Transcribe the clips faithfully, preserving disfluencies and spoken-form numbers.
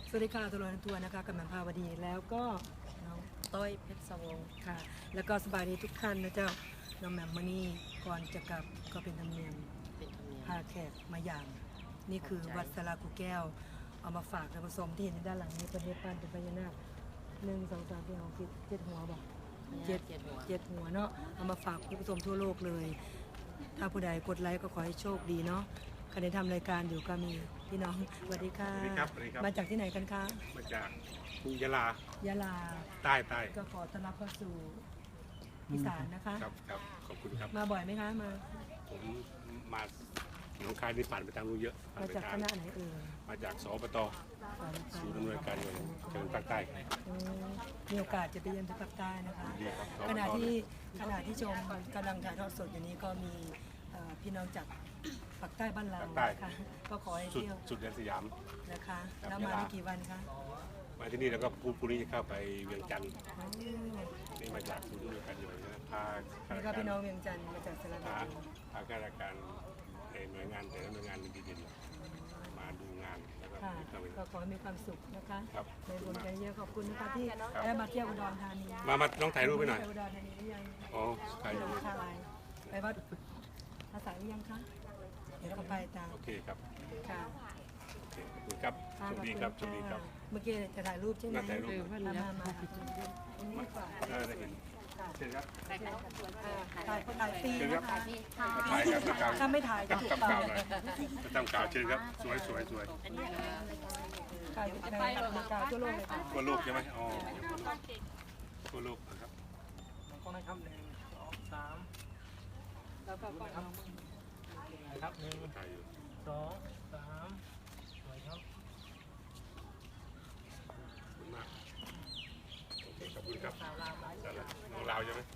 สวัสดีค่ะตัวลอยทัวร์นะคะกำลังพาวดีแล้วก็น้องต้อยเพชรสวงค่ะแล้วก็สบายดีทุกท่านนะเจ้าน้องแหม่มมานี่ก่อนจะกลับก็เป็นธรรมเนียมพาแขกมาอย่างนี่คือวัดสลากูแก้วเอามาฝากท่านผู้ชมที่เห็นด้านหลังนี้ประเทศปั้นเป็นพญานาคหนึ่งสองสามสี่ห้าเจ็ดหัวบอกเจ็ดเจ็ดหัวเนาะเอามาฝากผู้ชมทั่วโลกเลยถ้าผู้ใดกดไลค์ก็ขอให้โชคดีเนาะใครได้ทำรายการอยู่ก็มีพี่น้องสวัสดีค่ะมาจากที่ไหนกันคะมาจากยะลายะลาใต้ใต้ก็ขอต้อนรับเข้าสู่อีสานนะคะครับครับขอบคุณครับมาบ่อยไหมคะมาผมมาหนองคายนี่ผ่านไปทางนู้นเยอะมาจากคณะไหนเอ่ยมาจากสปตศูนย์ดำเนินการเงินจังหวัดภาคใต้มีโอกาสจะไปเยือนที่ภาคใต้นะคะขณะที่ขณะที่ชมกำลังถ่ายทอดสดอยู่นี้ก็มีพี่น้องจากภาคใต้บ้านเราค่ะก็ขอให้เที่ยวสุดแดนสยามนะคะแล้วมาได้กี่วันคะมาที่นี่แล้วก็พรุ่งนี้จะเข้าไปเวียงจันทร์นี่มาจากศูนย์ดำเนินการเงินนะพานี่ก็พี่น้องเวียงจันทร์มาจากสระบุรีพาข้าราชการในหน่วยงานแต่ละหน่วยงานดีๆมาดูงานแล้วก็ก็ขอให้มีความสุขนะคะในบุญใจเยอะขอบคุณนะคะที่ได้มาเที่ยวอุดรธานีมามาน้องถ่ายรูปไปหน่อยอุดรธานีหรือยังอ๋อถ่ายรูปไปวัดภาษาหรือยังคะเดี๋ยวเราไปตามโอเคครับค่ะโอเคขอบคุณครับโชคดีครับโชคดีครับเมื่อกี้จะถ่ายรูปใช่ไหมถ่ายรูปมามามาได้เห็นเชิญครับถ่ายถ่ายฟรีนะคะถ่ายครับถ้าไม่ถ่ายจะถูกปรับจะทำกาวเชิญครับสวยสวยสวยกาวอยู่ในกาวทั่วโลกเลยทั่วโลกใช่ไหมอ๋อทั่วโลกนะครับก็ให้คำหนึ่งสองสามแล้วก็ก็ครับครับหนึ่งสองสามสวยครับขอบคุณครับน้องลาวใช่ไหม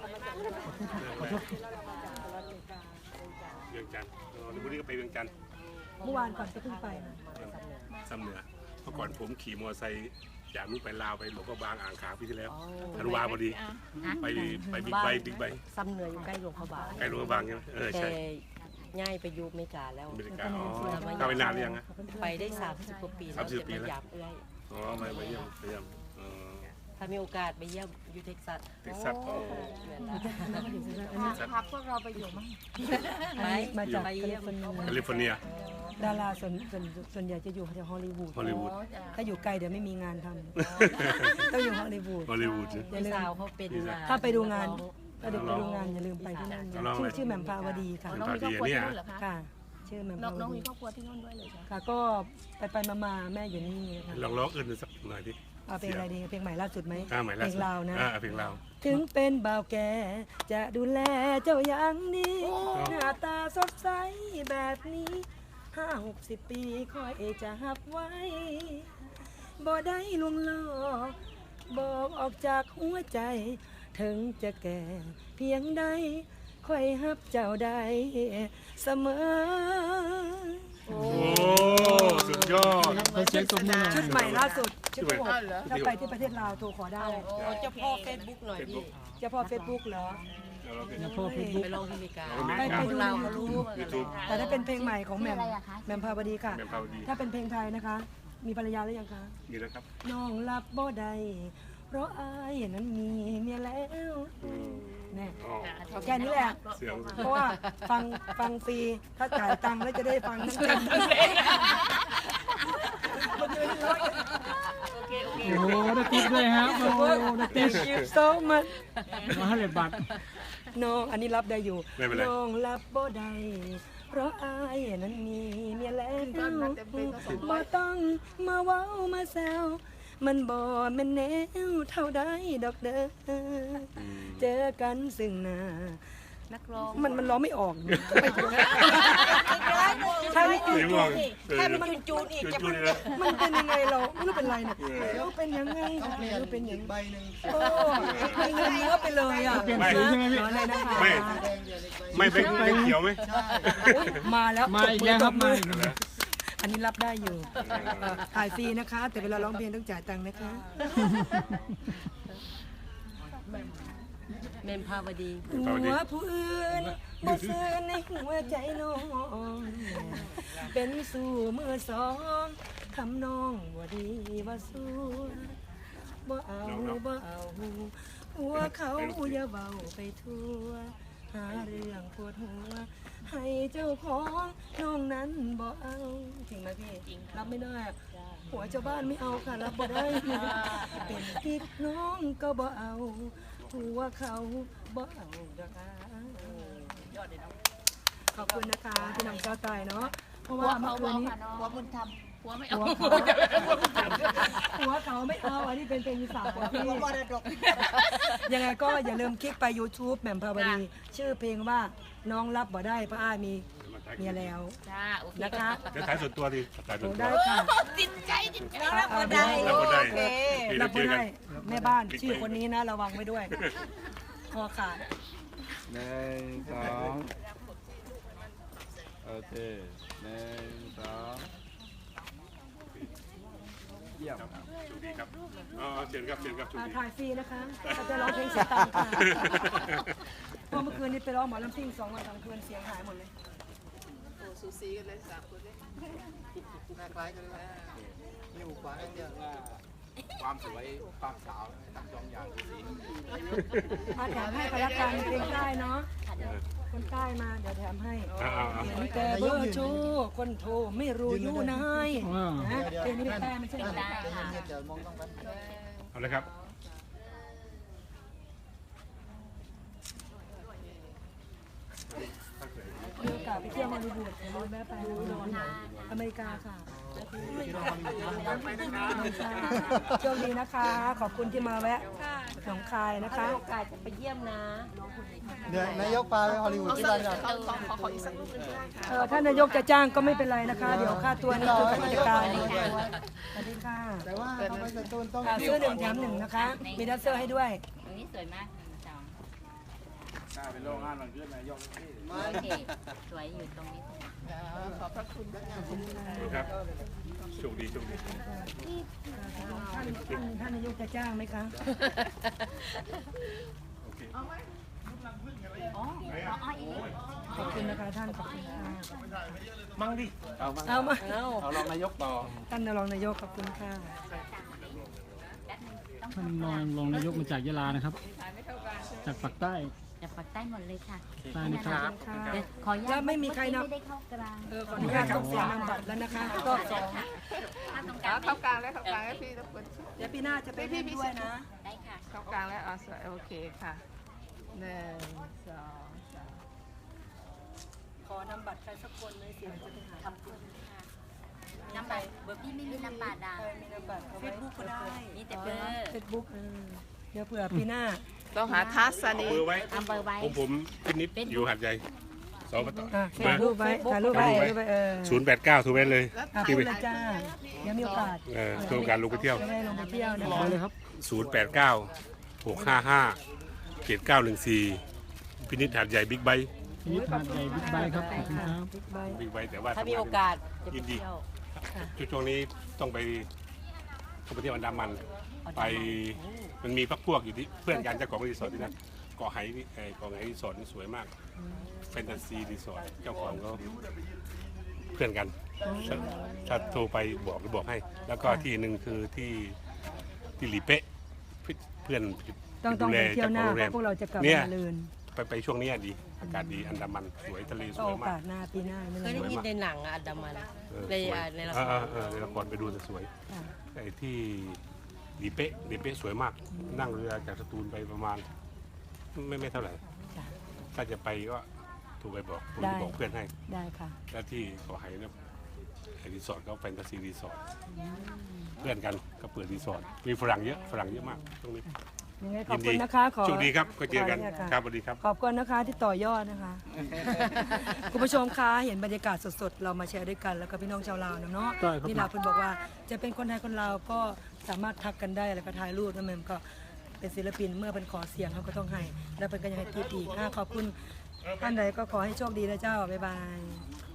เวียงจันทร์วันนี้ก็ไปเวียงจันทร์เมื่อวานก่อนจะขึ้นไปซ้ำเหนือเมื่อก่อนผมขี่มอเตอร์ไซค์จากนู้นไปลาวไปหลวงพ่อบางอ่างขางปีที่แล้วธันวาพอดีไปไปบิ๊กไบค์บิ๊กไบค์ซ้ำเหนืออยู่ใกล้หลวงพ่อบางใกล้หลวงพ่อบางใช่ไหมเออใช่ง่ายไปอยู่อเมริกาแล้วอเมริกาอ๋อเข้าไปนานหรือยังฮะไปได้สามสิบกว่าปีสามสิบปีแล้วเอื้อยอ๋อไปไปเยี่ยมไปเยี่ยมถ้ามีโอกาสไปเยี่ยมอยู่เท็กซัสเท็กซัสพักพวกเราไปอยู่มั้งไปมาจากแคลิฟอร์เนียดาราส่วนส่วนส่วนใหญ่จะอยู่แถวฮอลลีวูดฮอลลีวูดถ้าอยู่ไกลเดี๋ยวไม่มีงานทำต้องอยู่ฮอลลีวูดฮอลลีวูดอย่าลืมเขาเป็นถ้าไปดูงานถ้าเด็กไปดูงานอย่าลืมไปที่นั่นชื่อชื่อแหม่มภาวดีค่ะน้องมีครอบครัวที่นู่นเหรอคะค่ะชื่อแหม่มภาวดีน้องมีครอบครัวที่นู่นด้วยเลยค่ะก็ไปไปมามาแม่อยู่นี่ลองร้องอื่นสักหน่อยดิเอาเพลงอะไรดีเพลงใหม่ล่าสุดไหมเพลงลาวนะเพลงลาวถึงเป็นบ่าวแก่จะดูแลเจ้าอย่างดีหน้าตาสดใสแบบนี้ห้าหกสิบปีคอยจะหับไว้บ่ได้ลวงล่อบอกออกจากหัวใจถึงจะแก่เพียงใดคอยหับเจ้าได้เสมอโอ้สุดยอดชุดใหม่ล่าสุดชุดหกถ้าไปที่ประเทศลาวโทรขอได้เจ้าพ่อเฟซบุ๊กหน่อยดิเจ้าพ่อเฟซบุ๊กเหรอไปลงที่อเมริกาไปไปดูเราเขารู้แต่ถ้าเป็นเพลงใหม่ของแหม่มแหม่มภาวดีค่ะถ้าเป็นเพลงไทยนะคะมีภรรยาหรือยังคะมีแล้วครับน้องรับบ่ได้เพราะอายนั้นมีเมียแล้วแน่แค่นี้แหละเพราะว่าฟังฟังฟรีถ้าจ่ายตังค์แล้วจะได้ฟังทั้งเพลงโอ้โหได้ติ๊บด้วยครับโอ้โหได้ติ๊บ Thank you so much มาให้เลยบัตรน้องอันนี้รับได้อยู่น้องรับบ่ได้เพราะอายนั้นมีเมียแล้วบ่ต้องมาเว้ามาแซวมันบ่แม่นแนวเท่าใดดอกเด้อเจอกันซึ่งหน้านักร้องมันมันร้องไม่ออกใช่ไหมจูนอีกใช่มันจูนอีกจะมันมันเป็นยังไงเราไม่รู้เป็นไรเนี่ยเราเป็นยังไงเราเป็นยังใบหนึ่งโอ้ไม่เงินเยอะไปเลยอ่ะเปลี่ยนสีใช่ไหมพี่อะไรนะคะไม่ไม่เป็นเขียวไหมมาแล้วมาอีกแล้วครับมาอันนี้รับได้อยู่ถ่ายฟรีนะคะแต่เวลาร้องเพลงต้องจ่ายตังค์นะคะแหม่มภาวดีหัวผู้อื่นบ่ซื่อในหัวใจน้องเป็นสู่มือสองทำน้องว่าดีว่าสัวบ่เอาบ่เอาหัวเขาอย่าเบาไปทั่วหาเรื่องปวดหัวให้เจ้าของน้องนั้นบ่เอาจริงไหมพี่รับไม่ได้หัวเจ้าบ้านไม่เอาค่ะรับบ่ได้เป็นกิ๊กน้องก็บ่เอาหัวเขาบ่เอาดอกอ่ะขอบคุณนะคะที่นำเจ้าตายเนาะเพราะว่าเมื่อคืนนี้หัวบุญธรรมหัวไม่เอาหัวเขาหัวเขาไม่เอาอันนี้เป็นเพลงอีสานของพี่หัวมรดกยังไงก็อย่าลืมคลิกไป YouTube แหม่มภาวดีชื่อเพลงว่าน้องรับบ่ได้เพราะอ้ายมีเมียแล้วจ้าโอเคนะคะจะถ่ายส่วนตัวดิถ่ายส่โอ้วนตัวได้ค่ะจิตใจจิตใจน้องรับบ่ได้รับบ่ได้โอเคพี่รัเราบเจบ่อกัได้นแม่บ้านชื่อคนนี้นะระวังไว้ด้วยคอขาดหนึ่งสองโอเคหนึ่งสองเยี่ยมครับโชคดีครับอ๋อเชิญครับเชิญครับโชคอ่าดีถ่ายฟรีนะคะเราจะร้องเพลงเสียงตังค่ะเพราะเมื่อคืนนี้ไปร้องหมอลำซิ่งสองวันสองคืนเสียงหายหมดเลยสูสีกันเลยสามคนเลยหน้าคล้ายกันเลยนิ้วขวาเดียวความสวยความสาวทั้งสองอย่างสีมาแถมให้ไปละกันเพลงใต้เนาะคนใต้มาเดี๋ยวแถมให้อ่าอ่าอ่าเห็นแต่เบอร์โชว์คนโทรไม่รู้อยู่ไหนนะเพลงนี้เป็นใต้ไม่ใช่เหรอเดี๋ยวมองต้องกันเอาเลยครับมีโอกาสไปเที่ยวฮอลลีวูดเดี๋ยวเราแวะไปนะอเมริกาค่ะโชคดีนะคะ ขอบคุณที่มาแวะหนองคายนะคะโอกาสจะไปเยี่ยมนะเดี๋ยวนายกพาไปฮอลลีวูดที่บ้านกันขอขอขออีกสักรูปนึงได้ค่ะเออถ้านายกจะจ้างก็ไม่เป็นไรนะคะ เดี๋ยวค่าตัวนี่คือกับกิจการสวัสดีค่ะแต่ว่าทำไมจะต้นต้องอ่าเสื้อหนึ่งแถมหนึ่งนะคะ มีดัซเซอร์ให้ด้วยตรงนี้สวยมากสองถ้าเป็นโรงงานมันขึ้นนายกที่โอเคสวยอยู่ตรงนี้ขอบพระคุณนะคะครับโชคดีโชคดีท่านท่านท่านนายกจะจ้างไหมคะโอเคอ๋ออ๋ออีกขอบคุณนะคะท่านขอบคุณค่ะมั่งดิเอามาเอามาเอารองนายกต่อท่านรองนายกขอบคุณค่ะท่านรองรองนายกมาจากยะลานะครับ จากปากใต้จะปักใต้หมดเลยค่ะใต้นะครับเดี๋ยวขออนุญาแล้ตวไม่มีใครนับไม่ได้เข้ากลางเออขออนุญาตส่งเสียงนำบัตรแล้วนะคะรอบสองถ้าตรงกลางเข้ากลางแล้วเข้ากลางแล้วพี่ทุกคนเดี๋ยวปีหน้าจะไปเล่นด้วยนะได้ค่ะเข้ากลางแล้วอ๋อสวยโอเคค่ะหนึ่งสองสามขอนำบัตรใครสักคนเลยเสียงจะไปหาขอบคุณค่ะน้ำบัตรเบอร์พี่ไม่มีน้ำบัตรอ่ะใครมีนำบัตรเฟซบุ๊กก็ได้มีแต่เบอร์เฟซบุ๊กเออเดี๋ยวเผื่อปีหน้าต้องหาทัศนีเบอร์ไว้ทำเบอร์ไว้ผมผมพินิดอยู่หัดใหญ่สองต่ออ่ะเบอถ่ายร์รูปไว้ถ่ายรูปไว้ถ่ายรูปไว้เออศูนย์แปดเก้าถูกไหมเลยอ่ะที่พูไปดเลยจ้าเดี๋ยวมีโอกาสเออโครงการลงไปเที่ยวจะได้ลงไปเที่ยวนะรอคะเลยครับศูนย์แปดเก้าหกห้าห้าเจ็ดเก้าหนึ่งสี่พินิดหัดใหญ่บิ๊กไบค์นี่ทานใหญ่บิ๊กไบค์ครับขอบคุณครับบิ๊กไบค์บิ๊กไบค์แต่ว่าถ้ามีโอกาสจะไปยินดีเที่ยวช่วงนี้ต้องไปต้องไปเที่ยวอันดามัน ไปมันมีพักพวกอยู่ที่เพื่อนกันเจ้าของรีสอร์ทที่นั่นเกาะไหนี่เอ่อเกาะไหรีสอร์ทนี่สวยมากแฟนตาซีรีสอร์ทเจ้าของเขาเพื่อนกันถ้าถ้าโทรไปบอกจะบอกให้ แล้วก็ที่หนึ่งคือที่ที่หลีเป๊ะเพื่อนต้องต้องดูแลไปเที่ยวหน้าจ้ขอเพงโรงแรมราะพวกเราจะกลับเนี่ยมาลืนไปไปช่วงนี้ดีอากาศดีอันดามันสวยทะเลสก็วโอยมากาสหน้าปีหน้าไม่เคต้ยองได้ยินในหนังอะอันดามันเออในสวยอ่าในละคเอรอเออในละครไปดูแต่สวยค่ะไอ้ที่หลีเป๊ะหลีเป๊ะสวยมาก นั่งเรือจากสตูลไปประมาณ ไม่ไม่เท่าไหร่จ้ะถ้าจะไปก็โทรไปบอกผมได้จะบอกเพื่อนให้ได้ค่ะแล้วที่เกาะไหเนี่ยไอ้รีสอร์ทเขาแฟนตาซีรีสอร์ทเพื่อนกันก็เปิดรีสอร์ทมีฝรั่งเยอะฝรั่งเยอะมากตรงนี้ยังไงขยิอบนคุดีณนะคะขอโชคดีครับก็เจอกันขเนี่ยะครับสวัสดีครับขอบคุณนะคะที่ต่อยอดนะคะ คุณผู้ชมคะเห็นบรรยากาศสดๆ เรามาแชร์ด้วยกันแล้วก็พี่น้องชาวลาวเนาะได้ครับนี่ลาวเพิ่นบอกว่าจะเป็นคนไทยคนลาวก็สามารถทักกันได้แล้วก็ถ่ายรูปนั่นเองก็เป็นศิลปินเมื่อเป็นขอเสียงเขาก็ต้องให้ แล้วเป็นก็ยังให้กีบอีกอ่ะขอบคุณท่านใดก็ขอให้โชคดีนะเจ้าบ๊ายบาย